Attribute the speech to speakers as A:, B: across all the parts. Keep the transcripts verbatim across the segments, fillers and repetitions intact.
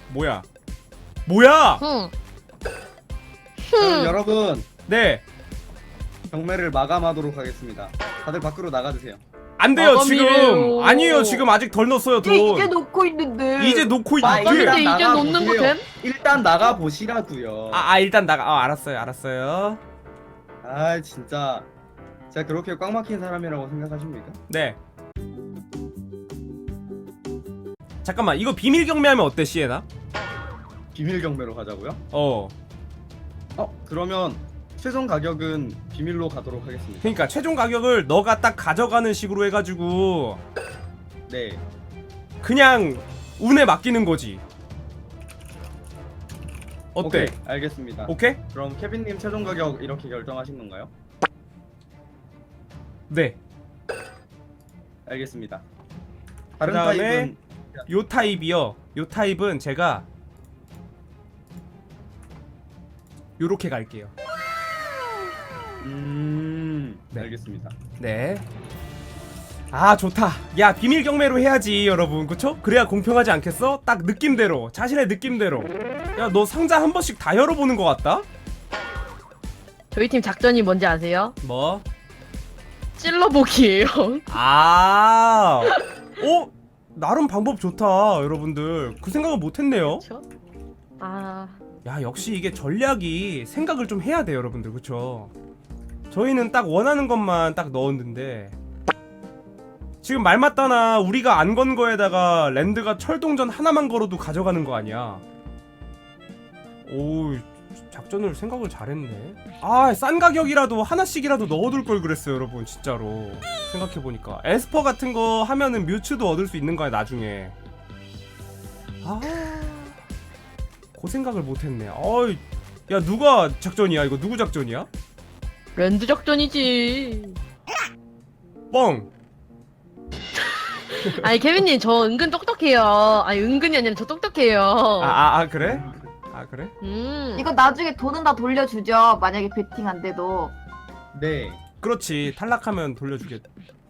A: 뭐야 뭐야.
B: 응.
C: 그럼 여러분
A: 네
C: 경매를 마감하도록 하겠습니다. 다들 밖으로 나가주세요.
A: 안 돼요
B: 마감이에요.
A: 지금. 아니에요 지금 아직 덜 넣었어요 돈.
D: 이제, 이제 놓고 있는데.
A: 이제 놓고
C: 아,
A: 있는데.
C: 일단
B: 이제
C: 나가
B: 놓는 거
C: 보세요.
B: 됨?
C: 일단 나가 보시라고요.
A: 아, 아 일단 나가. 아 알았어요 알았어요.
C: 아 진짜 제가 그렇게 꽉 막힌 사람이라고 생각하십니까?
A: 네. 잠깐만 이거 비밀 경매하면 어때 시에나?
C: 비밀 경매로 가자고요?
A: 어.
C: 어 그러면 최종 가격은 비밀로 가도록 하겠습니다.
A: 그러니까 최종 가격을 너가 딱 가져가는 식으로 해가지고
C: 네.
A: 그냥 운에 맡기는 거지. 어때?
C: 오케이, 알겠습니다.
A: 오케이?
C: 그럼 케빈님 최종 가격 이렇게 결정하신 건가요?
A: 네.
C: 알겠습니다. 다른
A: 그다음에
C: 타입은
A: 요 타입이요. 요 타입은 제가 요렇게 갈게요.
C: 음
A: 네.
C: 알겠습니다.
A: 네. 아 좋다. 야 비밀 경매로 해야지 여러분. 그쵸? 그래야 공평하지 않겠어? 딱 느낌대로 자신의 느낌대로. 야 너 상자 한 번씩 다 열어보는 것 같다?
B: 저희 팀 작전이 뭔지 아세요?
A: 뭐?
B: 찔러보기예요.
A: 아 어? 나름 방법 좋다 여러분들. 그 생각은 못했네요.
B: 그쵸? 아,
A: 야 역시 이게 전략이 생각을 좀 해야 돼 여러분들. 그쵸? 저희는 딱 원하는 것만 딱 넣었는데 지금 말 맞다나 우리가 안 건 거에다가 랜드가 철동전 하나만 걸어도 가져가는 거 아니야. 오 작전을 생각을 잘했네. 아 싼 가격이라도 하나씩이라도 넣어둘 걸 그랬어요 여러분. 진짜로 생각해보니까 에스퍼 같은 거 하면은 뮤츠도 얻을 수 있는 거야 나중에. 아 그 생각을 못했네. 어이 야 누가 작전이야 이거? 누구 작전이야?
B: 랜드 작전이지.
A: 뻥.
B: 아니 케빈님 저 은근 똑똑해요. 아니 은근이 아니라 저 똑똑해요.
A: 아, 아, 아 그래? 아 그래?
B: 음.
D: 이거 나중에 돈은 다 돌려주죠. 만약에 베팅 안 돼도.
C: 네.
A: 그렇지 탈락하면 돌려주겠.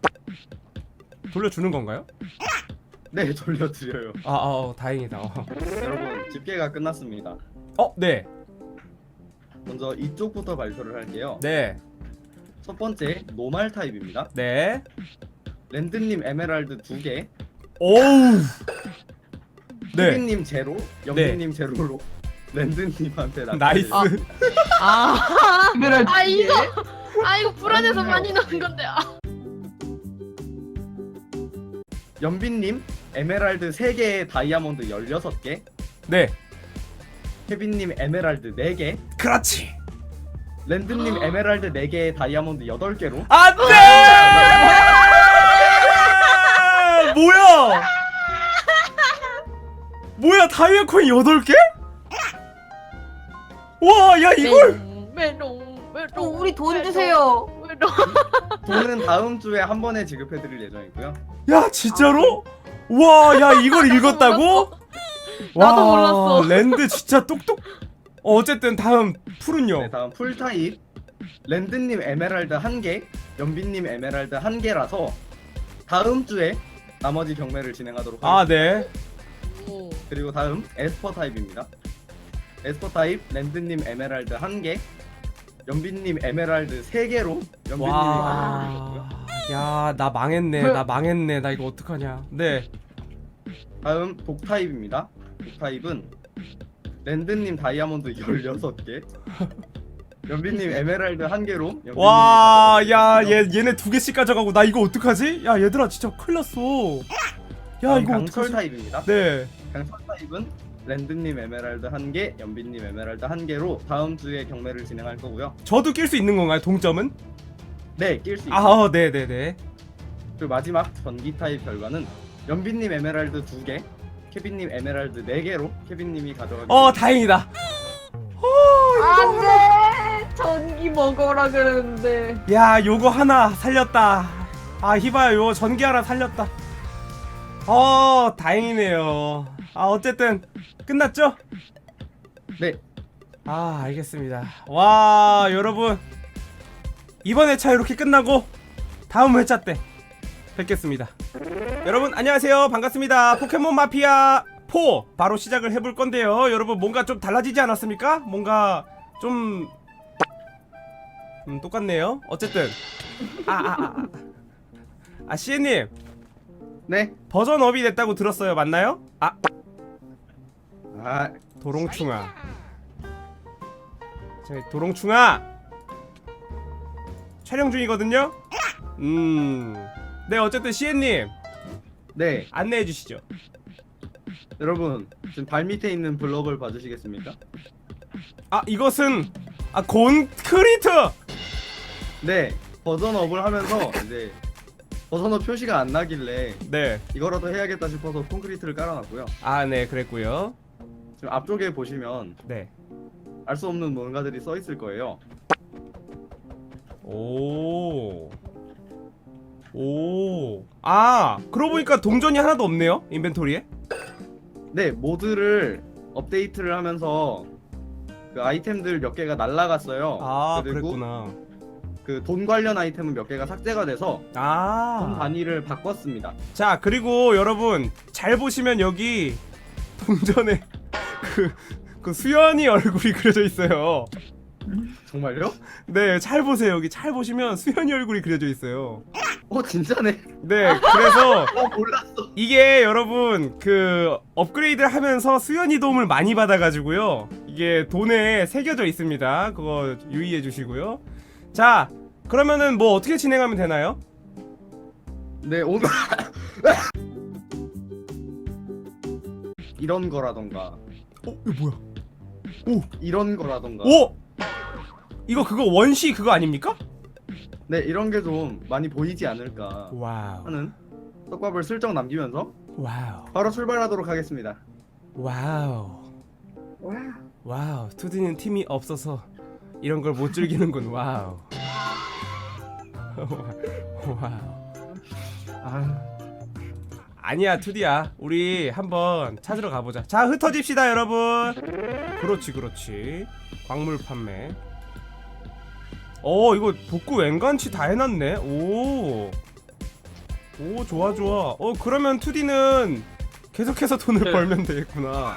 A: 돌려주는 건가요?
C: 네 돌려드려요.
A: 아, 아 어, 다행이다. 어.
C: 여러분 집계가 끝났습니다.
A: 어, 네,
C: 먼저 이쪽부터 발표를 할게요.
A: 네,
C: 첫 번째 노말 타입입니다.
A: 네.
C: 랜드님 에메랄드 두 개,
A: 오우. 네,
C: 케빈님 제로, 영빈님 제로로 랜드님한테
A: 나이스.
C: 아,
B: 아,
D: 에메랄드
B: 아
D: 두 개.
B: 이거 아 이거 불안해서 많이 넣은 건데. 아.
C: 연빈님 에메랄드 세 개에 다이아몬드 열여섯 개,
A: 네,
C: 케빈님 에메랄드 네 개,
A: 그렇지.
C: 랜드님 에메랄드 네 개에 다이아몬드 여덟 개로
A: 안돼. 뭐야? 뭐야 다이아 코인 여덟 개? 와, 야 이걸.
B: 메롱 메롱.
D: 어, 우리 돈 주세요.
B: 메롱.
C: 돈은 다음 주에 한 번에 지급해드릴 예정이고요.
A: 야 진짜로? 와, 야 이걸 읽었다고?
B: 나도
A: 와,
B: 몰랐어.
A: 랜드 진짜 똑똑. 어, 어쨌든 다음 풀은요.
C: 네, 다음 풀 타입. 랜드님 에메랄드 한 개, 연빈님 에메랄드 한 개라서 다음 주에 나머지 경매를 진행하도록 하겠습니다.
A: 아 네.
B: 오.
C: 그리고 다음 에스퍼 타입입니다. 에스퍼 타입 랜드님 에메랄드 한 개, 연빈님 에메랄드 세 개로 연빈님이 가져가셨고요.
A: 와. 야, 나 망했네. 나 망했네. 나 이거 어떡하냐. 네.
C: 다음 독 타입입니다. 독 타입은 랜드님 다이아몬드 열여섯 개, 연빈님 에메랄드 한 개로 연빈님이
A: 와, 야,
C: 가져가셨고요.
A: 얘 얘네 두 개씩 가져가고 나 이거 어떡하지? 야, 얘들아 진짜 큰일 났어. 야,
C: 다음
A: 이거
C: 강철
A: 어떡하지?
C: 타입입니다.
A: 네.
C: 강철 타입은 랜드님 에메랄드 한 개, 연빈님 에메랄드 한 개로 다음 주에 경매를 진행할 거고요.
A: 저도 낄 수 있는 건가요? 동점은?
C: 네, 낄 수 있습니다.
A: 아, 어, 네, 네, 네.
C: 그리고 마지막 전기 타입 결과는 연빈님 에메랄드 두 개, 케빈님 에메랄드 네 개로 케빈님이 가져가게
A: 어,
C: 됩니다.
A: 다행이다.
D: 안돼. 전기 먹어라 그러는데.
A: 야, 요거 하나 살렸다. 아, 히바야 요거 전기 하나 살렸다. 어, 다행이네요. 아, 어쨌든 끝났죠?
C: 네,
A: 아, 알겠습니다. 와, 여러분 이번 회차 이렇게 끝나고 다음 회차 때 뵙겠습니다. 여러분 안녕하세요. 반갑습니다. 포켓몬 마피아 포 바로 시작을 해볼 건데요. 여러분 뭔가 좀 달라지지 않았습니까? 뭔가 좀 음, 똑같네요. 어쨌든 아아아 아, 아, 아, 씨엔님
C: 네.
A: 버전 업이 됐다고 들었어요. 맞나요? 아
C: 아,
A: 도롱충아. 저희 도롱충아 촬영 중이거든요. 음. 네 어쨌든 씨엔님
C: 네.
A: 안내해 주시죠.
C: 여러분 지금 발 밑에 있는 블럭을 봐주시겠습니까?
A: 아 이것은 아 콘크리트.
C: 네. 버전업을 하면서 이제 버전업 표시가 안 나길래
A: 네.
C: 이거라도 해야겠다 싶어서 콘크리트를 깔아놨고요.
A: 아 네 그랬고요.
C: 지금 앞쪽에 보시면
A: 네.
C: 알 수 없는 뭔가들이 써 있을 거예요.
A: 오. 오. 아, 그러고 보니까 동전이 하나도 없네요. 인벤토리에.
C: 네, 모드를 업데이트를 하면서 그 아이템들 몇 개가 날라갔어요.
A: 아,
C: 그리고
A: 그랬구나.
C: 그 돈 관련 아이템은 몇 개가 삭제가 돼서 돈
A: 아.
C: 단위를 바꿨습니다.
A: 자, 그리고 여러분 잘 보시면 여기 동전에 그, 그 수연이 얼굴이 그려져 있어요.
C: 정말요?
A: 네, 잘 보세요. 여기 잘 보시면 수연이 얼굴이 그려져 있어요.
C: 어, 진짜네.
A: 네, 그래서
C: 어, 몰랐어.
A: 이게 여러분 그 업그레이드를 하면서 수연이 도움을 많이 받아가지고요. 이게 돈에 새겨져 있습니다. 그거 유의해 주시고요. 자, 그러면은 뭐 어떻게 진행하면 되나요?
C: 네, 오늘 이런 거라던가
A: 어, 이거 뭐야?
C: 이런 거라던가
A: 오! 이거 그거 원시 그거 아닙니까?
C: 네, 이런 게 좀 많이 보이지 않을까
A: 와우.
C: 하는 떡밥을 슬쩍 남기면서
A: 와우.
C: 바로 출발하도록 하겠습니다.
A: 와우. 와우. 투디는 팀이 없어서 이런 걸 못 즐기는군. 와우. 와우.
C: 아,
A: 아니야 투디야. 우리 한번 찾으러 가보자. 자 흩어집시다 여러분. 그렇지 그렇지. 광물 판매. 어 이거 복구 웬간치 다 해놨네. 오. 오 좋아 좋아. 어 그러면 투디는 계속해서 돈을
E: 네.
A: 벌면 되겠구나.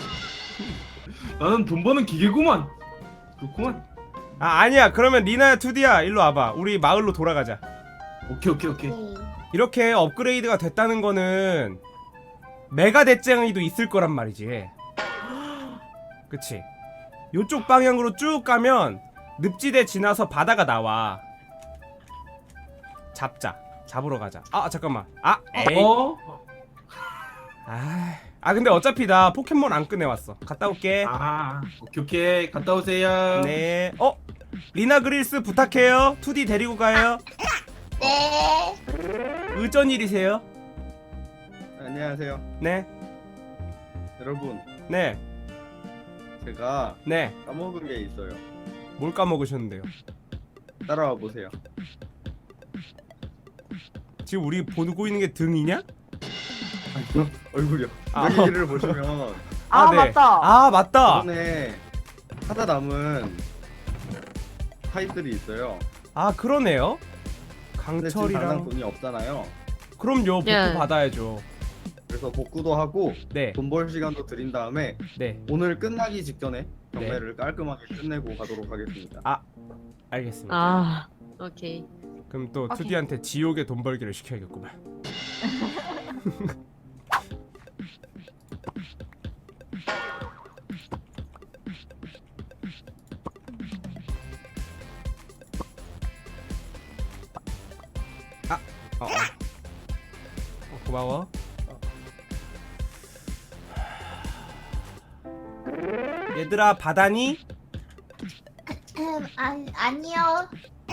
E: 나는 돈 버는 기계구만. 그렇구만.
A: 아 아니야. 그러면 리나야 투디야 일로 와봐. 우리 마을로 돌아가자.
E: 오케이 오케이 오케이.
A: 이렇게 업그레이드가 됐다는 거는 메가 대장이도 있을 거란 말이지. 그치? 요쪽 방향으로 쭉 가면 늪지대 지나서 바다가 나와. 잡자. 잡으러 가자. 아 잠깐만. 아 에이.
E: 어?
A: 아, 아 근데 어차피 나 포켓몬 안 꺼내왔어. 갔다 올게.
E: 아 오케이 오케이 갔다 오세요.
A: 네. 어? 리나 그릴스 부탁해요. 투디 데리고 가요.
F: 네.
A: 어쩐 일이세요?
C: 안녕하세요.
A: 네.
C: 여러분,
A: 네.
C: 제가
A: 네.
C: 까먹은 게 있어요.
A: 뭘 까먹으셨는데요?
C: 따라와 보세요.
A: 지금 우리 보고 있는 게 등이냐?
C: 아니요, 얼굴이요.
A: 아.
C: 여기를 보시면
D: 아,
A: 네.
D: 맞다.
A: 아 맞다.
C: 이번에 하다 남은 타입들이 있어요.
A: 아 그러네요.
C: 근데 지금 당장
A: 강철이랑
C: 돈이 없잖아요.
A: 그럼요. 복구
B: 예.
A: 받아야죠.
C: 그래서 복구도 하고
A: 네.
C: 돈 벌 시간도 드린 다음에
A: 네.
C: 오늘 끝나기 직전에 경매를 깔끔하게 끝내고 가도록 하겠습니다.
A: 아 알겠습니다.
B: 아, 오케이.
A: 그럼 또
D: 오케이.
A: 투디한테 지옥의 돈 벌기를 시켜야겠구만. 아, 어, 어. 어, 고마워. 얘들아 바다니?
F: 음, 아, 아니요.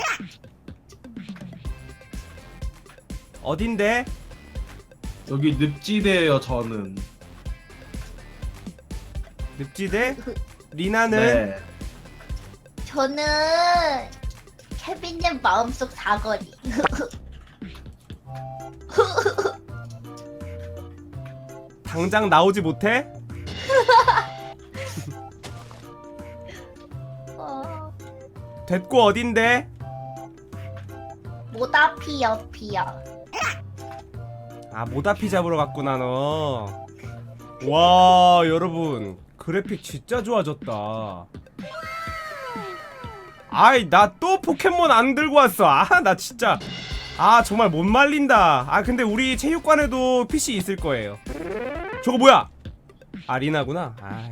A: 어딘데?
E: 여기 늪지대예요 저는.
A: 늪지대? 리나는?
E: 네.
F: 저는 케빈님 마음속 사거리.
A: 당장 나오지 못해?
F: 어,
A: 됐고 어딘데?
F: 모다피 옆이요.
A: 아 모다피 잡으러 갔구나 너. 와 여러분 그래픽 진짜 좋아졌다. 아이 나 또 포켓몬 안 들고 왔어. 아 나 진짜 아 정말 못 말린다. 아 근데 우리 체육관에도 피씨 있을 거예요. 저거 뭐야? 아 리나구나. 아이,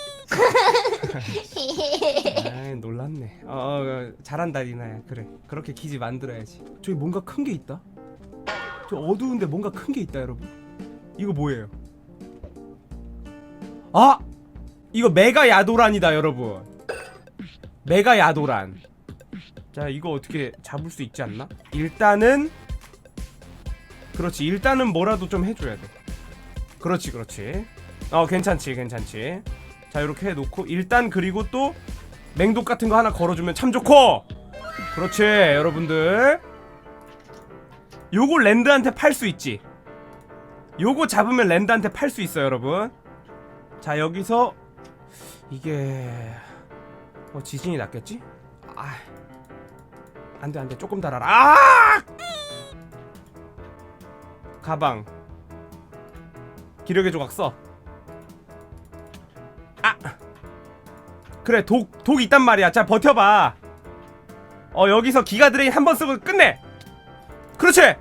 A: 아이 놀랐네. 어, 어 잘한다 리나야. 그래 그렇게 기지 만들어야지. 저기 뭔가 큰 게 있다. 저 어두운데 뭔가 큰 게 있다 여러분. 이거 뭐예요? 아! 이거 메가 야도란이다 여러분. 메가 야도란. 자 이거 어떻게 잡을 수 있지 않나? 일단은 그렇지 일단은 뭐라도 좀 해줘야 돼. 그렇지 그렇지. 어 괜찮지 괜찮지. 자 이렇게 해놓고 일단 그리고 또 맹독 같은 거 하나 걸어주면 참 좋고. 그렇지 여러분들. 요거 랜드한테 팔 수 있지. 요거 잡으면 랜드한테 팔 수 있어요 여러분. 자 여기서 이게 어 지진이 났겠지? 아 안돼 안돼 조금 달아라. 아 가방 기력의 조각 써. 아 그래 독 독 있단 말이야. 자 버텨봐. 어 여기서 기가 드레인 한 번 쓰고 끝내. 그렇지.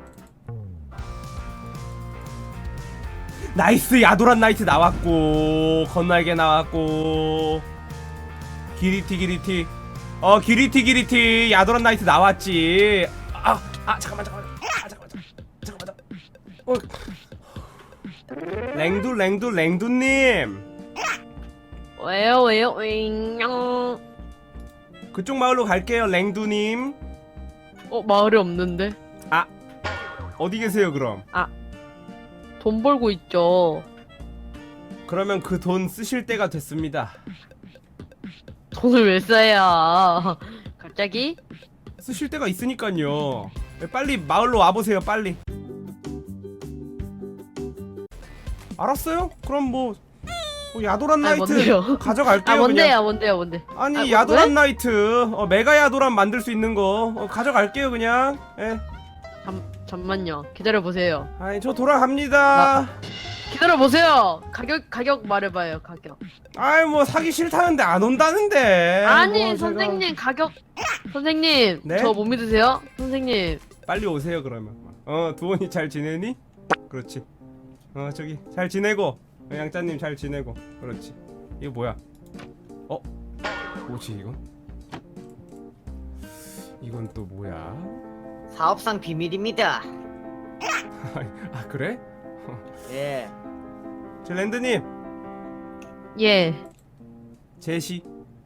A: 나이스 야도란 나이트 나왔고 건날개 나왔고 기리티 기리티 어 기리티 기리티 야도란 나이트 나왔지. 아, 아 잠깐만 잠깐만 아 잠깐만 잠깐만 잠깐만 어. 랭두 랭두 랭두님
B: 왜요 왜요 왜요?
A: 그쪽 마을로 갈게요 랭두님.
B: 어 마을이 없는데.
A: 아 어디 계세요 그럼?
B: 돈 벌고 있죠.
A: 그러면 그 돈 쓰실 때가 됐습니다.
B: 돈을 왜 써야? 갑자기?
A: 쓰실 때가 있으니까요. 빨리 마을로 와보세요 빨리. 알았어요? 그럼 뭐, 뭐 야도란
B: 아,
A: 나이트
B: 뭔데요?
A: 가져갈게요.
B: 아 뭔데요
A: 그냥.
B: 뭔데요 뭔데?
A: 아니
B: 아, 뭐,
A: 야도란
B: 왜?
A: 나이트 어, 메가 야도란 만들 수 있는 거 어, 가져갈게요 그냥. 예.
B: 잠 잠만요. 기다려 보세요.
A: 아니 저 돌아갑니다.
B: 기다려 보세요. 가격 가격 말해봐요 가격.
A: 아이 뭐 사기 싫다는데 안 온다는데.
B: 아니
A: 뭐 제가-
B: 선생님 가격. 선생님
A: 네?
B: 저 못 믿으세요? 선생님.
A: 빨리 오세요 그러면. 어 두원이 잘 지내니? 그렇지. 어 저기 잘 지내고 어, 양짜님 잘 지내고. 그렇지. 이거 뭐야? 어? 뭐지 이건? 이건 또 뭐야?
G: 사업상 비밀입니다.
A: 아 그래?
G: 예.
A: 저 랜드님
B: 예.
A: 제시.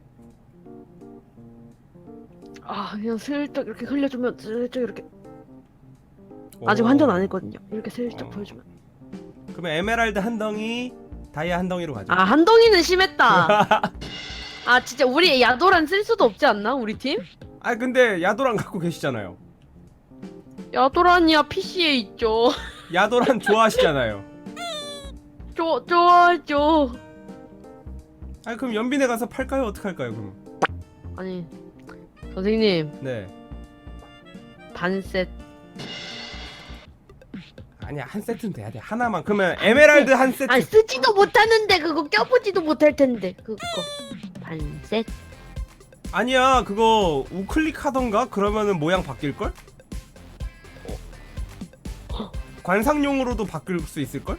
B: 아 그냥 슬쩍 이렇게 흘려주면 슬쩍 이렇게.
A: 오.
B: 아직 환전 안 했거든요. 이렇게 슬쩍
A: 어.
B: 보여주면.
A: 그러면 에메랄드 한 덩이, 다이아 한 덩이로 가자.
B: 아 한덩이는 심했다. 아 진짜 우리 야도란 쓸 수도 없지 않나 우리 팀?
A: 아 근데 야도란 갖고 계시잖아요.
B: 야도란이야 피씨에 있죠.
A: 야도란 좋아하시잖아요.
B: 좋 좋아죠.
A: 아 그럼 연빈에 가서 팔까요? 어떡할까요 그럼?
B: 아니 선생님
A: 네.
B: 반셋.
A: 아니야 한 세트는 돼야 돼. 하나만. 그러면 에메랄드 한 세트.
B: 아니 쓰지도 못하는데 그거 껴보지도 못할 텐데 그거 반셋.
A: 아니야 그거 우클릭 하던가 그러면은 모양 바뀔 걸? 관상용으로도 바뀔 수 있을 걸?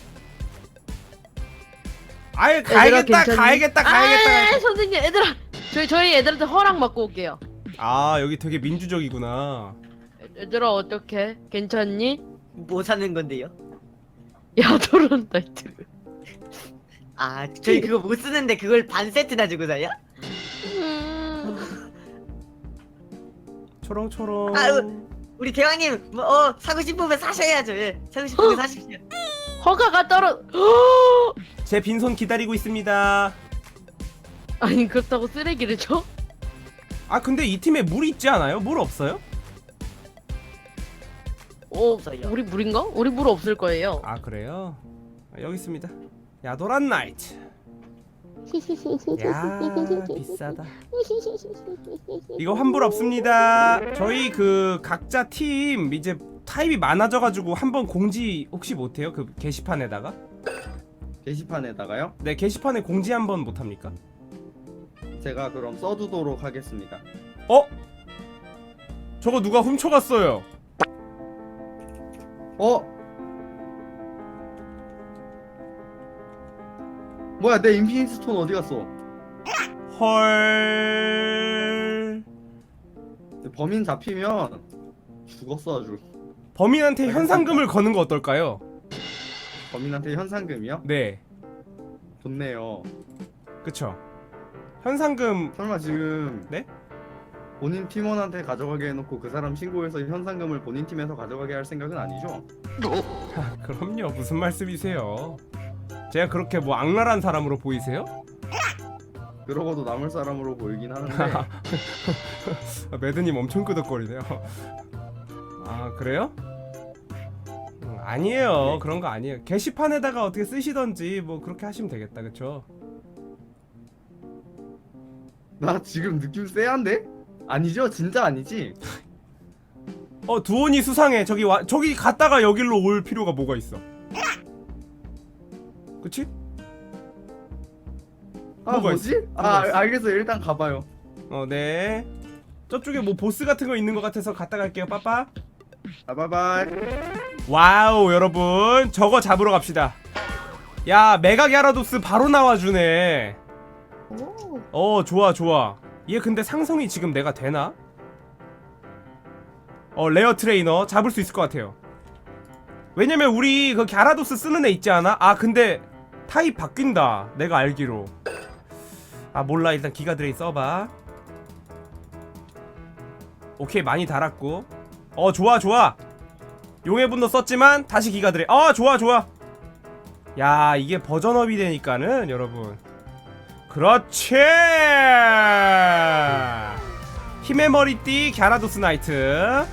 A: 아예 가야겠다
B: 괜찮니?
A: 가야겠다 가야겠다.
B: 아, 선생님 애들아 저희 저희 애들한테 허락 받고 올게요.
A: 아 여기 되게 민주적이구나.
B: 애- 얘들아 어떡해? 괜찮니?
G: 뭐 사는 건데요?
B: 야도란 나이트.
G: 아, 저희 그거 못 쓰는데 그걸 반 세트나 주고 사요?
B: 음...
A: 초롱초롱.
G: 아유. 우리 대왕님, 뭐, 어, 사고 싶으면 사셔야죠. 예. 사고 싶으면 사십시오.
B: 허가가 떨어.
A: 제 빈손 기다리고 있습니다.
B: 아니 그렇다고 쓰레기를 줘?
A: 아 근데 이 팀에 물 있지 않아요? 물 없어요?
B: 어
G: 없어요.
B: 우리 물인가? 우리 물 없을 거예요.
A: 아 그래요? 아, 여기 있습니다. 야도란 나이트. 야 비싸다. 이거 환불 없습니다. 저희 그 각자 팀 이제 타입이 많아져가지고 한번 공지 혹시 못해요? 그 게시판에다가?
C: 게시판에다가요?
A: 네, 게시판에 공지 한번 못합니까?
C: 제가 그럼 써두도록 하겠습니다.
A: 어? 저거 누가 훔쳐갔어요.
C: 어? 뭐야 내 인피니트 스톤 어디 갔어?
A: 헐.
C: 범인 잡히면 죽었어 아주.
A: 범인한테 현상금을 거는 거 어떨까요?
C: 범인한테 현상금이요?
A: 네,
C: 좋네요.
A: 그쵸. 현상금.
C: 설마 지금
A: 네?
C: 본인 팀원한테 가져가게 해놓고 그 사람 신고해서 현상금을 본인 팀에서 가져가게 할 생각은 아니죠?
A: 그럼요. 무슨 말씀이세요? 제가 그렇게 뭐 악랄한 사람으로 보이세요?
C: 그러고도 남을 사람으로 보이긴 하는데
A: 아, 매드님 엄청 끄덕거리네요. 아, 그래요? 음, 아니에요.
C: 네.
A: 그런 거 아니에요. 게시판에다가 어떻게 쓰시던지 뭐 그렇게 하시면 되겠다. 그쵸?
C: 나 지금 느낌 쎄한데? 아니죠? 진짜 아니지?
A: 어, 두온이 수상해. 저기 와, 저기 갔다가 여길로 올 필요가 뭐가 있어? 그치?
C: 아
A: 뭐가
C: 뭐지?
A: 있어?
C: 아
A: 뭐가
C: 알-
A: 있어?
C: 알겠어요. 일단 가봐요.
A: 어, 네. 저쪽에 뭐 보스 같은 거 있는 것 같아서 갔다 갈게요. 빠빠.
C: 아 바이바이.
A: 와우, 여러분. 저거 잡으러 갑시다. 야, 메가 갸라도스 바로 나와주네.
F: 오.
A: 어, 좋아 좋아. 얘 근데 상성이 지금 내가 되나? 어, 레어 트레이너 잡을 수 있을 것 같아요. 왜냐면 우리 그 갸라도스 쓰는 애 있지 않아? 아, 근데 타입 바뀐다. 내가 알기로. 아, 몰라. 일단 기가 드레이 써봐. 오케이, 많이 달았고. 어, 좋아 좋아. 용의 분노 썼지만 다시 기가 드레이. 어, 좋아 좋아. 야, 이게 버전업이 되니까는 여러분, 그렇지. 힘의 머리띠 갸라도스 나이트.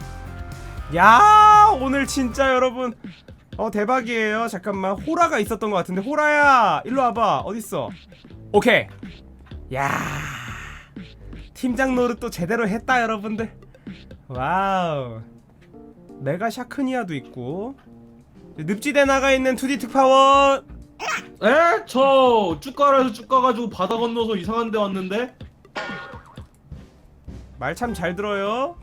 A: 야, 오늘 진짜 여러분, 어, 대박이에요. 잠깐만, 호라가 있었던 것 같은데. 호라야, 일로 와봐. 어딨어? 오케이. 야, 팀장 노릇 또 제대로 했다 여러분들. 와우. 메가 샤크니아도 있고, 늪지대 나가 있는 투디 특파원.
E: 에? 저 쭉 가라서 쭉 가가지고 바다 건너서 이상한 데 왔는데?
A: 말 참 잘 들어요.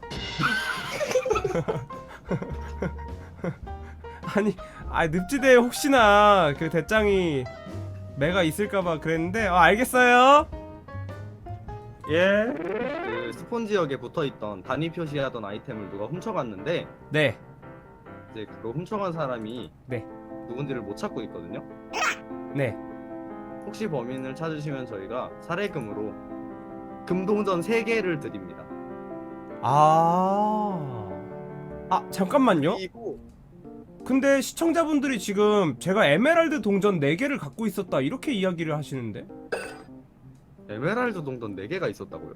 A: 아니, 아, 늪지대에 혹시나 그 대장이 메가 있을까봐 그랬는데, 어, 알겠어요.
E: 예.
C: 그 스폰 지역에 붙어있던 단위 표시하던 아이템을 누가 훔쳐갔는데
A: 네,
C: 이제 그거 훔쳐간 사람이
A: 네.
C: 누군지를 못 찾고 있거든요.
A: 네.
C: 혹시 범인을 찾으시면 저희가 사례금으로 금동전 세 개를 드립니다.
A: 아, 아, 잠깐만요.
C: 그리고
A: 근데 시청자분들이 지금 제가 에메랄드 동전 네 개를 갖고 있었다 이렇게 이야기를 하시는데,
C: 에메랄드 동전 네 개가 있었다고요?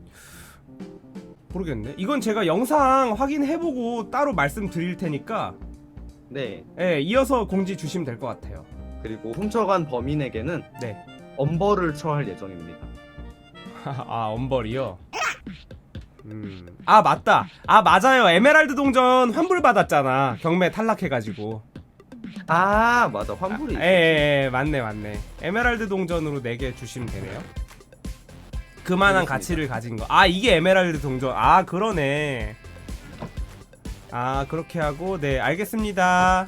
A: 모르겠네. 이건 제가 영상 확인해보고 따로 말씀드릴 테니까,
C: 네.
A: 예, 이어서 공지 주시면 될 것 같아요.
C: 그리고 훔쳐간 범인에게는
A: 네.
C: 엄벌을 처할 예정입니다.
A: 아, 엄벌이요? 음. 아, 맞다. 아, 맞아요. 에메랄드 동전 환불 받았잖아. 경매 탈락해가지고.
C: 아 맞아 환불이
A: 예, 예, 예, 맞네, 맞네. 에메랄드 동전으로 네 개 주시면 되네요. 그만한
C: 알겠습니다.
A: 가치를 가진 거. 아, 이게 에메랄드 동전. 아, 그러네. 아, 그렇게 하고, 네, 알겠습니다.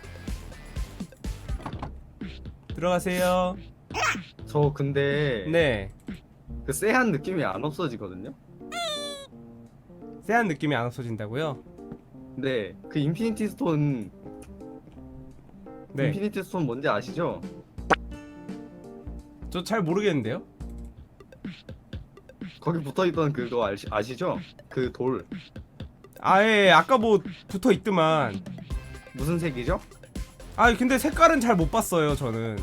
A: 들어가세요.
C: 저 근데
A: 네.
C: 그 쎄한 느낌이 안 없어지거든요.
A: 쎄한 느낌이 안 없어진다고요?
C: 네, 그 인피니티 스톤
A: 네.
C: 인피니티 스톤 뭔지 아시죠?
A: 저 잘 모르겠는데요?
C: 거기 붙어있던 그거 아시, 아시죠? 그 돌
A: 아, 예, 아까 뭐 붙어 있더만.
C: 무슨 색이죠?
A: 아, 근데 색깔은 잘 못 봤어요, 저는.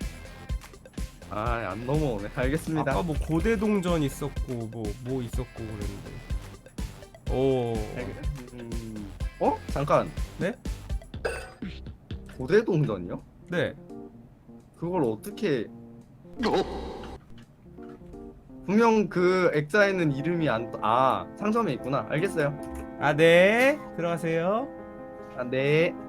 C: 아 안 넘어오네. 알겠습니다.
A: 아까 뭐 고대 동전 있었고 뭐 뭐 있었고 그랬는데. 오.
C: 음... 어? 잠깐.
A: 네?
C: 고대 동전이요?
A: 네.
C: 그걸 어떻게? 분명 그 액자에는 이름이 안. 아 상점에 있구나. 알겠어요.
A: 아, 네. 들어가세요.
C: 아 네.